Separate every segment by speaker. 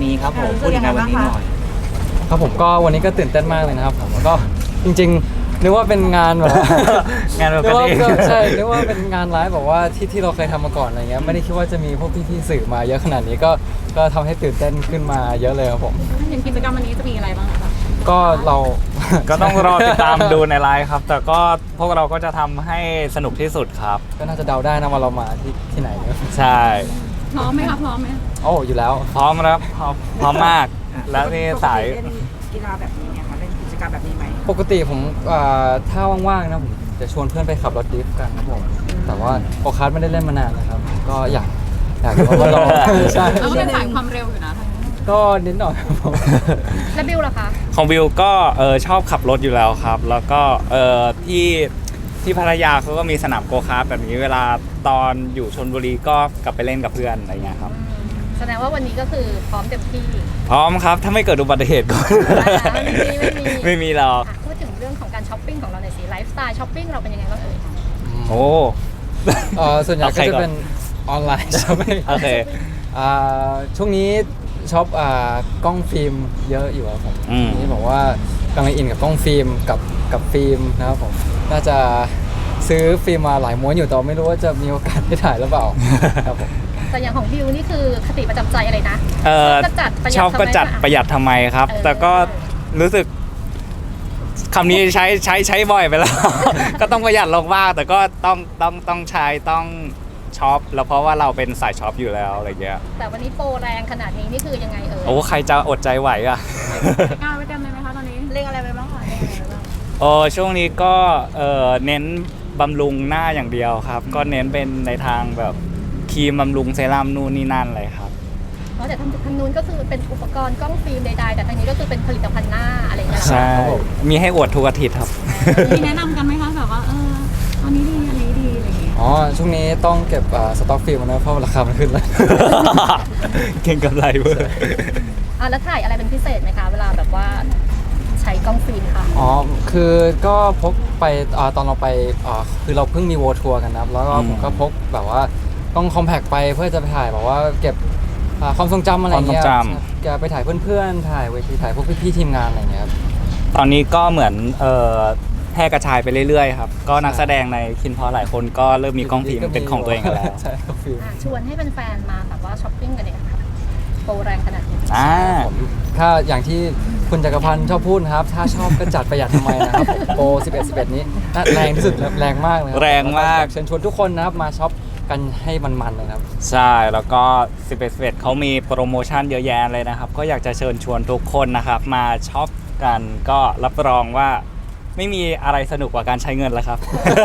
Speaker 1: นี้ครับผมพูดถึงงานวันนี้หน่อย
Speaker 2: ครับผมก็วันนี้ก็ตื่นเต้นมากเลยนะครับผมก็จริงๆนึกว่าเป็นงานแบบ
Speaker 1: งานแบบ
Speaker 2: นึกว่า
Speaker 1: นี้
Speaker 2: ใช่นึกว่าเป็นงานไลฟ์แบบว่าที่เราเคยทำมาก่อนอะไรเงี้ยไม่ได้คิดว่าจะมีพวกพี่ๆสื่อมาเยอะขนาดนี้ก็ทำให้ตื่นเต้นขึ้นมาเยอะเลยครับผม
Speaker 3: อย่างกิจกรรมวันนี้จะมีอะไรบ้างคะ
Speaker 2: ก็เรา
Speaker 1: ก็ต้องรอติดตามดูในไลฟ์ครับ แต่ก็พวกเราก็จะทำให้สนุกที่สุดครับ
Speaker 2: ก็น่าจะเดาได้นะว่าเรามาที่ไหนเนี่ย
Speaker 1: ใช่
Speaker 3: พร้อมไหมคะพร้อมไหม
Speaker 2: โอ้อยู่แล้ว
Speaker 1: พร้อมแล้วพร้อมมาก แล้วนี่สาย
Speaker 4: เล่นกีฬาแบบนี้เนี่ยค่ะเล่นกิจกรรมแบบนี้ไหม
Speaker 2: ปกติผมถ้าว่างๆนะผมจะชวนเพื่อนไปขับรถดริฟต์กันครับผมแต่ว่าโอคัสไม่ได้เล่นมานานนะครับก็อยากมาลองใช่
Speaker 3: เราก็เป็นสายความเร็วอยู่นะ
Speaker 2: ก็นิดหน่อยครับผม
Speaker 3: แล้วบิวล่ะคะ
Speaker 1: ของวิวก็ชอบขับรถอยู่แล้วครับ แล้วก็ที่พัทยาเขาก็มีสนามโกคาร์ทแบบนี้เวลาตอนอยู่ชลบุรีก็กลับไปเล่นกับเพื่อนอะไรเงี้ยครับ
Speaker 3: แสดงว่าวันนี้ก็คือพร้อมเต็มที่
Speaker 1: พร้อมครับถ้าไม่เกิดอุบัติเหตุก่อน ไม่มีหรอก
Speaker 3: พูดถึงเรื่องของการช้อปปิ้งของเราหน่อยสิไลฟ์สไตล์ช้อปปิ้งเราเป็นยังไงบ้างเอ่ย
Speaker 1: โอ้
Speaker 2: ส่วนใหญ่ก็จะเป็นออนไลน์ใช่ไหม
Speaker 1: โอเค
Speaker 2: ช่วงนี้ช็อปกล้องฟิล์มเยอะอยู่ครับผม
Speaker 1: อืม
Speaker 2: นี่บอกว่ากำลังอินกับกล้องฟิล์มกับฟิล์มนะครับผมน่าจะซื้อฟิล์มมาหลายม้วนอยู่แต่ไม่รู้ว่าจะมีโอกาสได้ถ่ายหรือเปล่าครับผม
Speaker 3: แต่อย่างของบิวนี่คือคติประจำใจอะไรนะ
Speaker 1: ชอบก็จัดประหยัดทำไมครับ แต่ก็รู้สึกคำนี้ใช้บ่อยไปแล้ว ก็ต้องประหยัดลงบ้างแต่ก็ต้องใช้ต้องช็อปแล้วเพราะว่าเราเป็นสายช็อปอยู่แล้วอะไรเงี้ย
Speaker 3: แต่วันนี้โปรแรงขนาดนี้นี่คือยังไงเอ่ย
Speaker 1: โอ้ใครจะอดใจไหวอ่ะ
Speaker 3: กล้าไว้เต็มเลยไหมคะตอนนี้เล่นอะไรไปบ้างคะเล่นอะไรไปบ้าง
Speaker 1: โอ้ช่วงนี้ก็เน้นบำรุงหน้าอย่างเดียวครับ ก็เน้นเป็นในทางแบบครีมบำรุงเซรั่มนู่นนี่นั่นเลยครับ
Speaker 3: เพราะแต่ทางนู้นก็คือเป็นอุปกรณ์กล้องฟิล์มใดๆแต่ทางนี้ก็คือเป็นผลิตภัณฑ์หน้าอะไรอย่างเงี้ยเหรอ
Speaker 1: ใช่
Speaker 3: คะ
Speaker 1: มีให้อวดทุกอาทิตย์ครับ
Speaker 3: มีแนะนำกันไหมคะแบบว่าอันนี้ดีอันนี้ดีอะไรอย่างเงี้ย
Speaker 2: อ๋อช่วงนี้ต้องเก็บสต็อกฟิล์มนะเพราะราคามันขึ้นแล้ว
Speaker 1: เก่งกำไรเว้ย
Speaker 3: แล้วถ่ายอะไรเป็นพิเศษไหมคะเวลาแบบว่าใช้กล้องฟิล์มค่ะ
Speaker 2: อ๋อคือก็พกไปตอนเราไปคือเราเพิ่งมีโวทัวร์กันนะครับแล้วก็ผมก็พกแบบว่าต้องคอมแพคไปเพื่อจะไปถ่ายแบบว่าเก็บความทรงจำอะไรเงี้ย
Speaker 1: ความทรงจ
Speaker 2: แกไปถ่ายเพื่อนๆถ่ายเวทีถ่ายพวกพี่ๆทีมงานอะไรเงี้ยครับ
Speaker 1: ตอนนี้ก็เหมือนแพร่กระจายไปเรื่อยๆครับ ก็นักแสดงในคินพอหลายคนก็เริ่มมีกล้องฟิล์มเป็นของตัวเองกันแล้ว
Speaker 2: ใช่กล้องฟิล์ม
Speaker 3: ชวนให้แฟนๆมาแบบว่าช้อปปิ้งกันเนี่ยค่ะโปรแรงขนาดนี้
Speaker 2: ผมถ้าอย่างที่คุณจักรพันธ์ชอบพูดนะครับถ้าชอบก็จัดประหยัดทำไมนะครับผมโปร11 นี้น่าแรงที่สุดแรงมากเลยครั
Speaker 1: แรงมาก
Speaker 2: เชิญชวนทุกคนนะครับมาช็อปกันให้มันๆเลยครับ
Speaker 1: ใช่ แล้วก็11เขามีโปรโมชั่นเยอะแยะเลยนะครับ ก็อยากจะเชิญชวนทุกคนนะครับ มาช็อปกันก็รับรองว่าไม่มีอะไรสนุกกว่าการใช้เงินแล้วครับ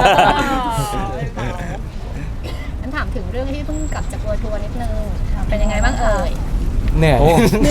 Speaker 3: งั้นถามถึงเรื่องที่เพิ่งกลับจากทัวร์นิดนึงเป็นยังไงบ้างเอ่ย
Speaker 2: เหนื่อย
Speaker 1: โอ้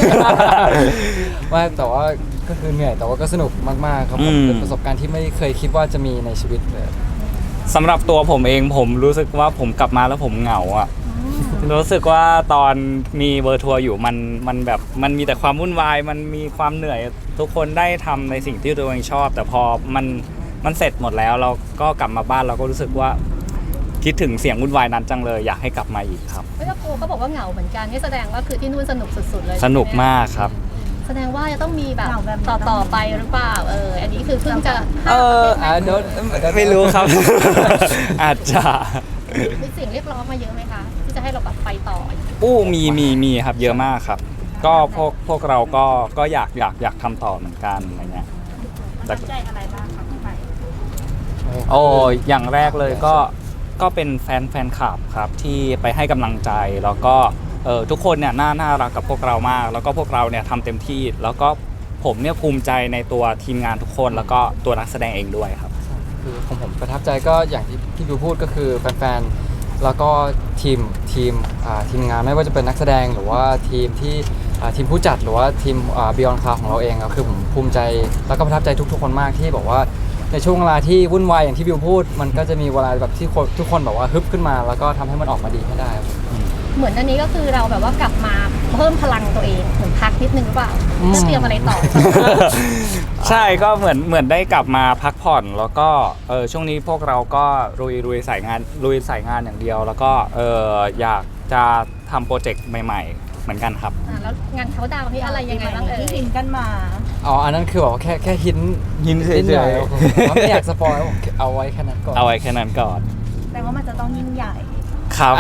Speaker 2: ว่าแต่ว่าก็คือเหนื่อยแต่ว่าก็สนุกมากๆครับผมเป็นประสบการณ์ที่ไม่เคยคิดว่าจะมีในชีวิตเลย
Speaker 1: สำหรับตัวผมเองผมรู้สึกว่าผมกลับมาแล้วผมเหงาอ่ะ รู้สึกว่าตอนมีเวอร์ทัวร์อยู่มันแบบมันมีแต่ความวุ่นวายมันมีความเหนื่อยทุกคนได้ทำในสิ่งที่ตัวเองชอบ แต่พอมันเสร็จหมดแล้วเราก็กลับมาบ้านเราก็รู้สึกว่าคิดถึงเสียงวุ่นวายนั้นจังเลยอยากให้กลับมาอีกครับ
Speaker 3: เฮ้ยแล้วโปรเขาบอกว่าเหงาเหมือนกันนี่แสดงว่าคือที่นู่นสนุกสุดๆเลย
Speaker 1: สนุกมากครับ
Speaker 3: แสดงว่าจะต้องมีแบบต่อไปหรือเปล่าอันนี้คือเพิ่งจะ
Speaker 1: ไม่รู้ครับ อาจจะ
Speaker 3: มีเสียงเรียกร้องมาเยอะไหมคะที่จะให้เราแบบไปต่อ
Speaker 1: มีครับเยอะมากครับ ก็พวกเราก็อยากทำต่อเหมือนกันอะไรเงี้ย
Speaker 4: ตั้งใจอะไรบ้างคะที่ไป
Speaker 1: โอ้อย่างแรกเลยก็เป็นแฟนคลับครับที่ไปให้กำลังใจแล้วก็ทุกคนเนี่ยน่ารักกับพวกเรามาก แล้วก็พวกเราเนี่ยทำเต็มที่ แล้วก็ผมเนี่ยภูมิใจในตัวทีมงานทุกคนแล้วก็ตัวนักแสดงเองด้วยครับ
Speaker 2: คือของผมประทับใจก็อย่างที่ดูพูดก็คือแฟนๆแล้วก็ทีมงานไม่ว่าจะเป็นนักแสดงหรือว่าทีมผู้จัดหรือว่าทีมBeyond Cloud ของเราเองครับคือผมภูมิใจแล้วก็ประทับใจทุกๆคนมากที่บอกว่าในช่วงเวลาที่วุ่นวายอย่างที่บิวพูด มันก็จะมีเวลาแบบที่ทุกคนแบบว่าฮึบขึ้นมา แล้วก็ทำให้มันออกมาดีให้ได้ครับ
Speaker 3: เหมือนอันนี้ก็คือเราแบบว่ากลับมาเพิ่มพลังตัวเองเหมือนพักนิดนึงหรือเปล่าจะเตรียมอะไรต่อ
Speaker 1: ใช่ก็เหมือนได้กลับมาพักผ่อนแล้วก็ช่วงนี้พวกเราก็ลุยสายงานอย่างเดียว แล้วก็อยากจะทำโปรเจกต์ใหม่ๆมือนกันครับ
Speaker 3: แล้วงานเขาดาวน์นี่อะไรยังไงบ้างเอ่
Speaker 4: ที่
Speaker 3: ย
Speaker 4: หินกันมา
Speaker 2: อ๋ออันนั้นคือแบบว่าแค่หิน
Speaker 1: หินเฉยๆ
Speaker 2: นิดหน่อผมไม่อยากสปอยผมเอาไว้แค่นั้นก่อน
Speaker 1: เอาไว้แค่นั้นก่อน
Speaker 4: แต่ว่ามันจะต้องยิ่งใหญ่
Speaker 1: ครับ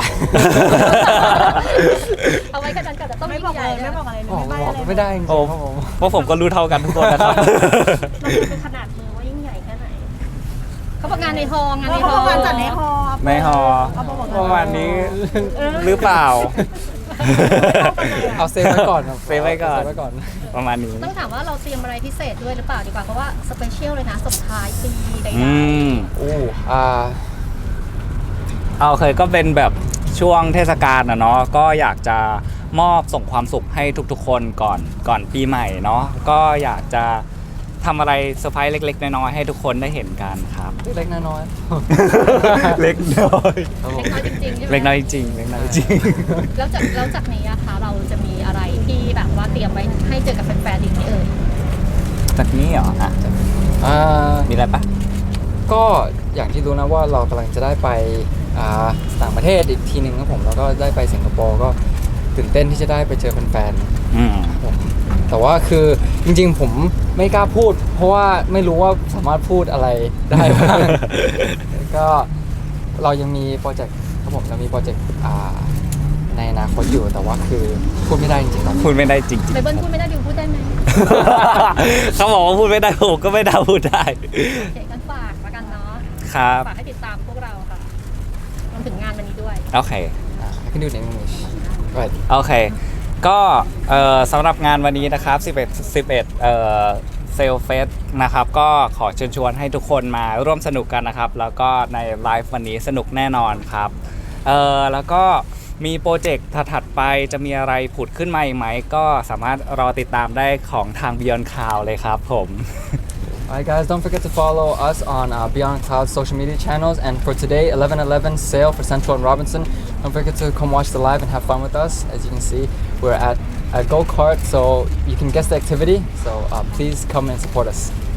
Speaker 3: เอาไว้กันก่อนแต่ต้อง
Speaker 4: ไม่
Speaker 3: ยิ่
Speaker 4: บอก
Speaker 3: งให
Speaker 4: เล
Speaker 3: ญ่
Speaker 4: ยไม่บอกอะไรเลย
Speaker 2: บอก
Speaker 4: ไม่ใบ้
Speaker 2: บอก
Speaker 4: อะไร
Speaker 2: ไม่ได้จริงๆ
Speaker 1: โอ้
Speaker 2: ครับผม
Speaker 1: เพราะผมก็รู้เท่ากันทุกคนนะครับ
Speaker 3: เราเป็นขนาดมือว่ายิ่งใหญ่แค่ไหนเขาบอกงานในฮอลล์งานใน
Speaker 4: เขา
Speaker 3: ฮอล
Speaker 4: บอกการ
Speaker 3: ล์
Speaker 4: จัดในฮอ
Speaker 1: ในฮอ
Speaker 4: เขาบอก
Speaker 1: ประมาณนี้หรือเปล่า
Speaker 2: เอาเซฟไว้ก่อนครับ
Speaker 1: เซฟไว้ก่อน
Speaker 2: เซฟไว้ก่อน
Speaker 1: ประมาณนี้
Speaker 3: ต้องถามว่าเราเตรียมอะไรพิเศษด้วยหรือเปล่าดีกว่าเพราะว่าสเปเชียลเลยนะส่งท้ายปีใด
Speaker 1: อืม
Speaker 2: โอ้
Speaker 1: เอาเคยก็เป็นแบบช่วงเทศกาลนะเนาะก็อยากจะมอบส่งความสุขให้ทุกๆคนก่อนปีใหม่เนาะก็อยากจะทำอะไรเซอร์ไพรส์เล็กๆน้อยๆให้ทุกคนได้เห็นกันครับ
Speaker 2: เล็กๆน้อย
Speaker 1: เล็กน้อย
Speaker 2: ๆครับผ
Speaker 3: เล็
Speaker 2: ม
Speaker 3: กน้อยจริงๆใช่ไหม
Speaker 1: เล็กน้อยจริงเล็กน้อยจริง
Speaker 3: แล้วจากนี้นะคะเราจะมีอะไรที่แบบว่าเตรียมไว้ให้เจอกับแฟนๆอีกไหมเอ่ย
Speaker 1: จากนี้เหรออ่ะ
Speaker 2: อ่า
Speaker 1: มีอะไรปะ
Speaker 2: ก็อย่างที่รู้นะว่าเรากำลังจะได้ไปต่างประเทศอีกทีหนึ่งครับผมแล้วก็ได้ไปสิงคโปร์ก็ตื่นเต้นที่จะได้ไปเจอแฟน
Speaker 1: อืม
Speaker 2: ๆผมแต่ว่าคือจริงๆผมไม่กล้าพูด เพราะว่าไม่รู้ว่าสามารถพูดอะไรได้บ้าง ก็เรายังมีโปรเจกต์ครับผมเรามีโปรเจกต์ในอนาคตอยู่แต่ว่าคือพูดไม่ได้จริงๆตอนนี้
Speaker 1: พูดไม่ได้จริง
Speaker 3: ไบเบิลพูดไม่ได้ดิวพูดได้ไหม
Speaker 1: ๆ เขาบอกว่าพูดไม่ได้ผมก็ไม่ได้พูดได้
Speaker 3: โอเคกันฝากแล้วกันเนาะ
Speaker 1: ครับ
Speaker 3: ฝากให้ติดตามพวกเราค่ะรวมถึงงานวันนี้ด้วย
Speaker 1: โอเค
Speaker 2: I can do it in English right
Speaker 1: โอเค ก็สำหรับงานวันนี้นะครับ 11เซลเฟสนะครับ ก็ขอเชิญชวนให้ทุกคนมาร่วมสนุกกันนะครับ แล้วก็ในไลฟ์วันนี้สนุกแน่นอนครับแล้วก็มีโปรเจกต์ถัดๆไปจะมีอะไรผุดขึ้นมาอีกไหม ก็สามารถรอติดตามได้ของทาง Beyond Cloud เลยครับผม
Speaker 2: Alright guys, don't forget to follow us on Beyond Cloud social media channels. And for today, 11/11 sale for Central and Robinson. Don't forget to come watch the live and have fun with us. As you can see, we're at a go-kart, so you can guess the activity. So please come and support us.